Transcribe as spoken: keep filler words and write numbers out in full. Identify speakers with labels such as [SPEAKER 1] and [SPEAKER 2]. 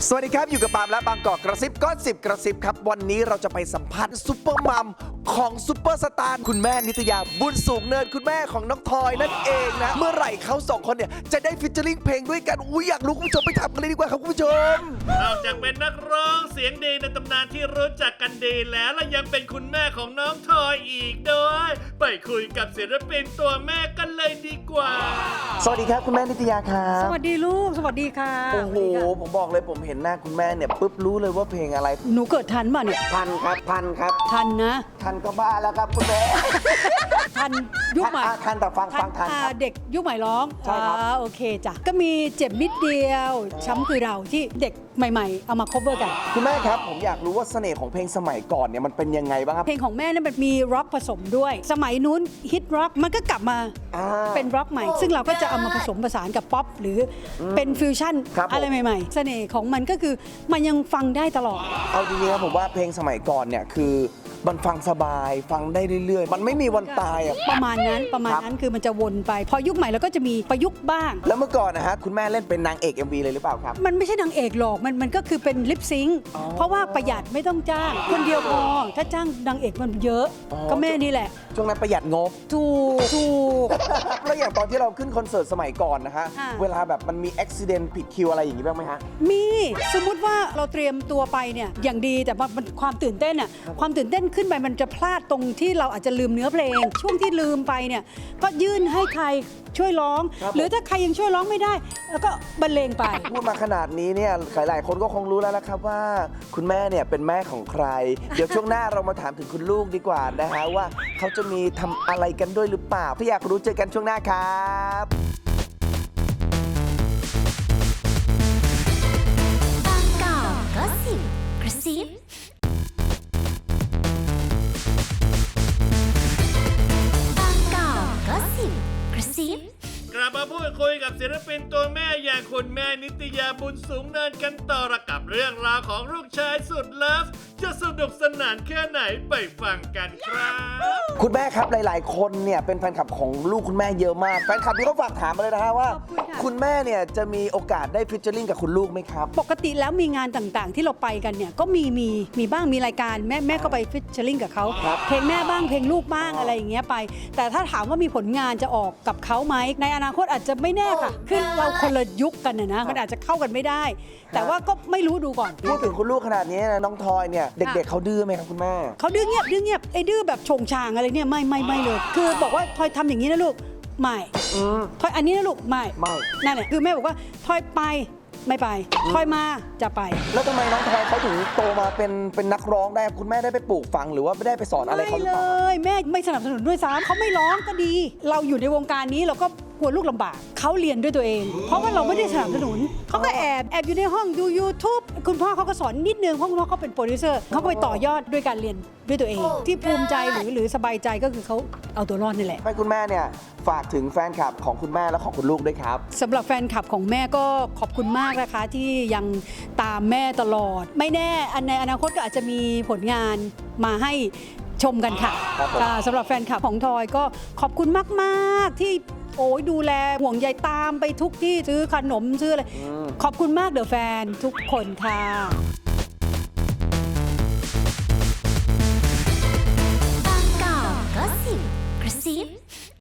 [SPEAKER 1] สวัสดีครับอยู่กับปาล์มและบางกอกกระซิบก็สิบกระซิบครับวันนี้เราจะไปสัมภาษณ์ซุปเปอร์มัมของซุปเปอร์สตาร์คุณแม่นิตยาบุญสูงเนินคุณแม่ของน้องทอยนั่นเองนะเมื่อไหร่เขาสองคนเนี่ยจะได้ฟิชเจอริ่งเพลงด้วยกันอุ้ยอยากรู้คุณผู้ชมไปทำกันเลยดีกว่าครับคุณผู้ชม
[SPEAKER 2] นอกจากเป็นนักร้องเสียงดีในตำนานที่รู้จักกันดีแล้วและยังเป็นคุณแม่ของน้องทอยอีกด้วยไปคุยกับศิลปินตัวแม่กันเลยดีกว่า
[SPEAKER 1] สวัสดีครับคุณแม่นิตยาครับ
[SPEAKER 3] สวัสดีลูกสวัสดีค่ะ
[SPEAKER 1] โอ้โหผมบอกเลยผมเห็นหน้าคุณแม่เนี่ยปุ๊บรู้เลยว่าเพลงอะไร
[SPEAKER 3] หนูเกิดทันป่ะเนี่ย
[SPEAKER 1] ทันครับทันครับ
[SPEAKER 3] ทันนะ
[SPEAKER 1] ทันก็บ้าแล้วครับคุณแม่
[SPEAKER 3] ทันยุคใหม่
[SPEAKER 1] ทันแต่ฟังฟังทันครับ
[SPEAKER 3] เด็กยุคใหม่ร้อง
[SPEAKER 1] ใช่ครับ
[SPEAKER 3] โอเคจ้ะก็มีเจ็บนิดเดียวช้ำคือเราที่เด็กใหม่ๆเอามา cover กัน
[SPEAKER 1] คุณแม่ครับผมอยากรู้ว่าเสน่ห์ของเพลงสมัยก่อนเนี่ยมันเป็นยังไงบ้างครับ
[SPEAKER 3] เพลงของแม่เนี่ยมันมีร็อกผสมด้วยสมัยนู้นฮิตร็อกมันก็กลับมาเป็นร็อกใหม่ซึ่งเราก็จะเอามาผสมผสานกับป๊อปหรือเป็นฟิวชั่นอะไรใหม่ๆเสน่ห์ของมันก็คือมันยังฟังได้ตลอด
[SPEAKER 1] เอาจริงๆครับผมว่าเพลงสมัยก่อนเนี่ยคือมันฟังสบายฟังได้เรื่อยๆมันไม่มีวันตายอ่ะ
[SPEAKER 3] ประมาณนั้นประมาณนั้นคือมันจะวนไปพอยุคใหม่เราก็จะมีประยุกต์บ้าง
[SPEAKER 1] แล้วเมื่อก่อนนะฮะคุณแม่เล่นเป็นนางเอก เอ็ม วี เลยหรือเปล่าครับ
[SPEAKER 3] มันไม่ใช่นางเอกหรอกมันมันก็คือเป็นลิปซิงค์เพราะว่าประหยัดไม่ต้องจ้างคนเดียวพอถ้าจ้างนางเอกมันเยอะก็แม่นี่แหละ
[SPEAKER 1] ช่วงนั้นประหยัดงบ
[SPEAKER 3] ถูกถูก
[SPEAKER 1] แล้วอย่างตอนที่เราขึ้นคอนเสิร์ตสมัยก่อนนะฮะเวลาแบบมันมีอุบิเหตุผิดคิวอะไรอย่างนี้บ้างไหมฮะ
[SPEAKER 3] มีสมมุติว่าเราเตรียมตัวไปเนี่ยอย่างดีแต่มันความตื่นเต้นอ่ะความตื่นเต้นขึ้นไปมันจะพลาดตรงที่เราอาจจะลืมเนื้อเพลงช่วงที่ลืมไปเนี่ยก็ยื่นให้ใครช่วยร้องหรือถ้าใครยังช่วยร้องไม่ได้แล้วก็บรรเลงไป
[SPEAKER 1] พูดมาขนาดนี้เนี่ยหลายๆคนก็คงรู้แล้วนะครับว่าคุณแม่เนี่ยเป็นแม่ของใครเดี๋ยวช่วงหน้าเรามาถามถึงคุณลูกดีกว่านะฮะว่าเขาจะมีทำอะไรกันด้วยหรือเปล่าถ้าอยากรู้เจอกันช่วงหน้าครับ
[SPEAKER 4] บางกอกก็สิบกระซิบบางกอกก็สิบกระซิบ
[SPEAKER 2] กลับมาพูดคุยกับศิลปินตัวแม่อย่างคุณแม่นิตยาบุญสูงเนินกันต่อกับเรื่องราวของลูกชายสุดเลิฟจะสนุกสนานแค่ไหนไปฟังกันครับ
[SPEAKER 1] คุณแม่ครับหลายๆคนเนี่ยเป็นแฟนคลับของลูกคุณแม่เยอะมากแฟนคลับที่เขาฝากถามมาเลยนะฮะว่าคุณแม่เนี่ยจะมีโอกาสได้ฟิชเจอริ่งกับคุณลูกไหมครับ
[SPEAKER 3] ปกติแล้วมีงานต่างๆที่เราไปกันเนี่ยก็มีมีมีบ้างมีรายการแม่แม่ก็ไปฟิชเจอริ่งกับเขาเพลงแม่บ้างเพลงลูกบ้างอะไรอย่างเงี้ยไปแต่ถ้าถามว่ามีผลงานจะออกกับเขาไหมในอนาคตอาจจะไม่แน่ค่ะคือเราคนละยุคกันนะมันอาจจะเข้ากันไม่ได้แต่ว่าก็ไม่รู้ดูก่อน
[SPEAKER 1] พูดถึงคุณลูกขนาดนี้นะน้องทอยเนี่ยเด็กๆเขาดื้อไหมครับคุณแม่
[SPEAKER 3] เขาดื้อเงียบดื้อเงียบไอ้ดื้อแบบชงชางอะไรเนี่ยไม่ไม่ไม่เลยคือบอกว่าทอยทำอย่างนี้นะลูกไม่ทอยอันนี้นะลูกไม่
[SPEAKER 1] ไม่
[SPEAKER 3] นั่นแหละคือแม่บอกว่าทอยไปไม่ไปทอยมาจะไป
[SPEAKER 1] แล้วทำไมน้องทอยเขาถึงโตมาเป็นเป็นนักร้องได้คุณแม่ได้ไปปลูกฝังหรือว่าไม่ได้ไปสอนอะไรเขาหรือเปล่า
[SPEAKER 3] ไม่เลยแม่ไม่สนับสนุนด้วยซ้ำเขาไม่ร้องก็ดีเราอยู่ในวงการนี้เราก็กลัวลูกลำบากเขาเรียนด้วยตัวเองเพราะว่าเราไม่ได้สนับสนุนเขาก็แอบแอบอยู่ในห้องดู YouTube คุณพ่อเขาก็สอนนิดนึงเพราะคุณพ่อเขาเป็นโปรดิวเซอร์เขาก็ไปต่อยอดด้วยการเรียนด้วยตัวเองที่ภูมิใจหรือหรือสบายใจก็คือเขาเอาตัวรอดนี่แหละ
[SPEAKER 1] ให้คุณแม่เนี่ยฝากถึงแฟนคลับของคุณแม่และของคุณลูกด้วยครับ
[SPEAKER 3] สำหรับแฟนคลับของแม่ก็ขอบคุณมากนะคะที่ยังตามแม่ตลอดไม่แน่อันในอนาคตก็อาจจะมีผลงานมาให้ชมกันค่ะสำหรับแฟนคลับของทอยก็ขอบคุณมากๆที่โอ้ยดูแลห่วงใยตามไปทุกที่ซื้อขนมซื้ออะไรขอบคุณมากเดอะแฟนทุกคนค่ะ
[SPEAKER 4] บางกอกก็สิบกระซิบ